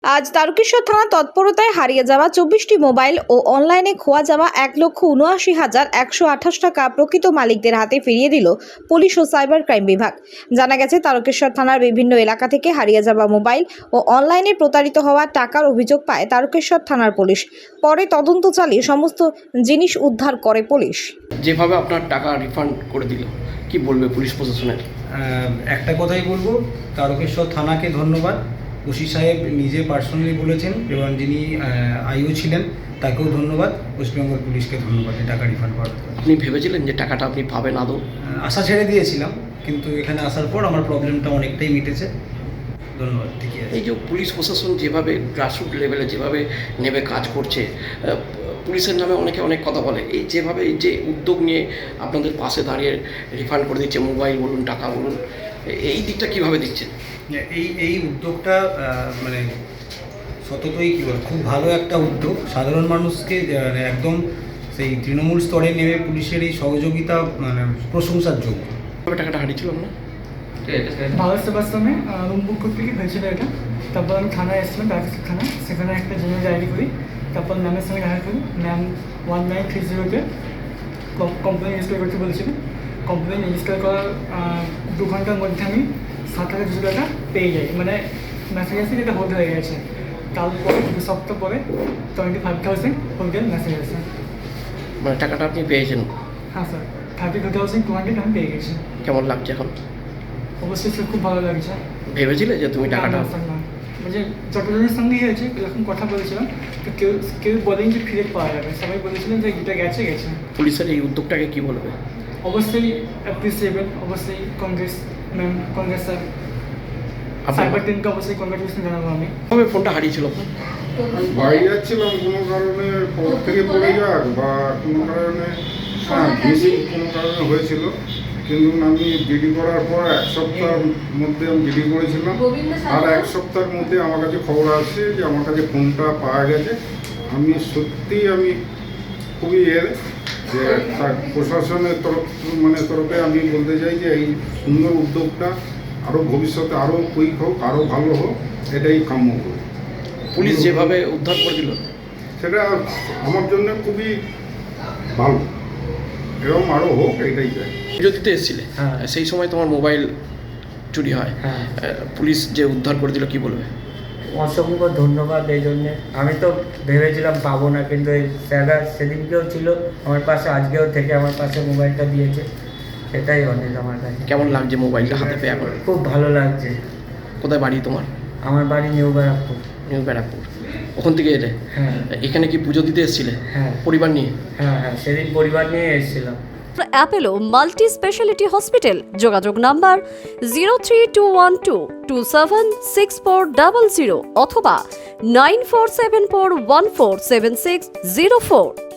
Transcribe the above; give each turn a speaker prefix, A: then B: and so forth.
A: আজ তারকেশ্বর থানা তৎপরতায় হারিয়ে যাওয়া 24টি মোবাইল ও অনলাইনে খোয়া যাওয়া 1,79,128 টাকা প্রকৃত মালিকদের হাতে ফিরিয়ে দিল পুলিশ ও সাইবার ক্রাইম বিভাগ। জানা গেছে, তারকেশ্বর থানার বিভিন্ন এলাকা থেকে হারিয়ে যাওয়া মোবাইল ও অনলাইনে প্রতারিত হওয়া টাকার অভিযোগ পায় তারকেশ্বর থানার পুলিশ। পরে তদন্ত চালিয়ে সমস্ত জিনিস উদ্ধার করে পুলিশ।
B: যেভাবে আপনার টাকা রিফান্ড করে দিল, কি বলবে পুলিশ প্রশাসনের?
C: একটা কথাই বলবো, তারকেশ্বর থানাকে ধন্যবাদ। ওসি সাহেব নিজে পার্সোনালি বলেছেন এবং যিনি আইও ছিলেন তাকেও ধন্যবাদ। ওয়েস্টবেঙ্গল পুলিশকে ধন্যবাদ এই টাকা রিফান্ড করার।
B: আপনি ভেবেছিলেন যে টাকাটা আপনি পাবেন আদৌ?
C: আশা ছেড়ে দিয়েছিলাম, কিন্তু এখানে আসার পর আমার প্রবলেমটা অনেকটাই মিটেছে। ধন্যবাদ। ঠিকই আছে।
B: এই যে পুলিশ প্রশাসন যেভাবে গ্রাসরুট লেভেলে যেভাবে নেবে কাজ করছে, পুলিশের নামে অনেকে অনেক কথা বলে, এই যেভাবে এই যে উদ্যোগ নিয়ে আপনাদের পাশে দাঁড়িয়ে রিফান্ড করে দিচ্ছে, মোবাইল বলুন, টাকা বলুন, এই দিকটা কীভাবে দেখছেন?
C: এই উদ্যোগটা মানে সততই কী বল, খুব ভালো একটা উদ্যোগ। সাধারণ মানুষকে একদম সেই তৃণমূল স্তরে নেমে পুলিশের এই সহযোগিতা মানে প্রশংসার যোগ্য।
B: তবে টাকাটা হারিয়েছিলাম না,
D: ভারত সেবাশ্রমে রুম বুক করতে গিয়ে হয়েছিল এটা। তারপর আমি থানায় এসেছিলাম, তারকেশ্বর থানা, সেখানে একটা জেনারেল ডায়েরি করি। তারপর ম্যামের সঙ্গে দেখা করি। ম্যাম 1930-তে কমপ্লেন রেজিস্টার করতে বলেছিলেন। কমপ্লেন রেজিস্টার করার 2 ঘন্টার মধ্যে আমি 7,200 টাকা পেয়ে যাই, মানে মেসেজ আসে যেটা হোল্ড হয়ে গেছে। তারপরে 2 সপ্তাহ পরে 25,000 হোল্ডের মেসেজ আসে।
B: মানে টাকাটা আপনি পেয়েছেন?
D: হ্যাঁ স্যার, 32,200 আমি পেয়ে গেছি।
B: কেমন লাগছে এখন?
D: অবশ্যই স্যার, খুব ভালো লাগছে।
B: ভেবেছিলে যে তুমি টাকাটা?
D: মানে যতজনের সঙ্গেই হয়েছে এরকম কথা বলেছিলাম, তো কেউ বলেন যে ফিরে পাওয়া যাবে। সবাই বলেছিলেন যে এটা গেছে।
B: পুলিশের এই উদ্যোগটাকে কি বলবে?
D: অবশ্যই অ্যাপ্রিসিয়েবল, অবশ্যই congrats ma'am, congrats sir, cyber টিমকে অবশ্যই কংগ্রেচুলেশন জানাবো আমি।
B: কবে ফোনটা হারিয়েছিল?
E: বাড়ি যাচ্ছিলাম, কোনো কারণে পথ থেকে পড়ে যাক বা কোনো কারণে মিসিং কোনো কারণে হয়েছিল। কিন্তু আমি জিডি করার পর 1 সপ্তাহের মধ্যে আমি জিডি করেছিলাম, আর 1 সপ্তাহের মধ্যে আমার কাছে খবর আসছে যে আমার কাছে ফোনটা পাওয়া গেছে। আমি খুবই যে প্রশাসনের তরফে আমি বলতে চাই যে এই সুন্দর উদ্যোগটা আরও ভবিষ্যতে আরও কুইক হোক, আরও ভালো হোক, এটাই কাম্য করি।
B: পুলিশ যেভাবে উদ্ধার করে দিল
E: সেটা আমার জন্য খুবই ভালো, এরকম আরও হোক, এটাই চাই।
B: পুজো দিতে এসেছিলে, সেই সময় তোমার মোবাইল চুরি হয়, পুলিশ যে উদ্ধার করে দিল, কি বলবে?
F: অসংখ্য ধন্যবাদ এই জন্যে। আমি তো ভেবেছিলাম পাবো না, কিন্তু এই স্যাররা সেদিনকেও ছিল আমার পাশে, আজকেও থেকে আমার পাশে মোবাইলটা দিয়েছে, সেটাই অনেক আমার কাছে।
B: কেমন লাগছে মোবাইলটা হাতে পেয়ে এখন?
F: খুব ভালো লাগছে।
B: কোথায় বাড়ি তোমার?
F: আমার বাড়ি নিউ ব্যারাকপুর।
B: নিউ ব্যারাকপুর, ওখান থেকে এলে?
F: হ্যাঁ।
B: এখানে কি পুজো দিতে এসেছিলে?
F: হ্যাঁ।
B: পরিবার নিয়ে?
F: হ্যাঁ, সেদিন পরিবার নিয়ে এসেছিলাম।
G: অ্যাপেলো মাল্টি স্পেশালিটি হসপিটাল, যোগাযোগ নাম্বার 03212276400 অথবা 9474147604।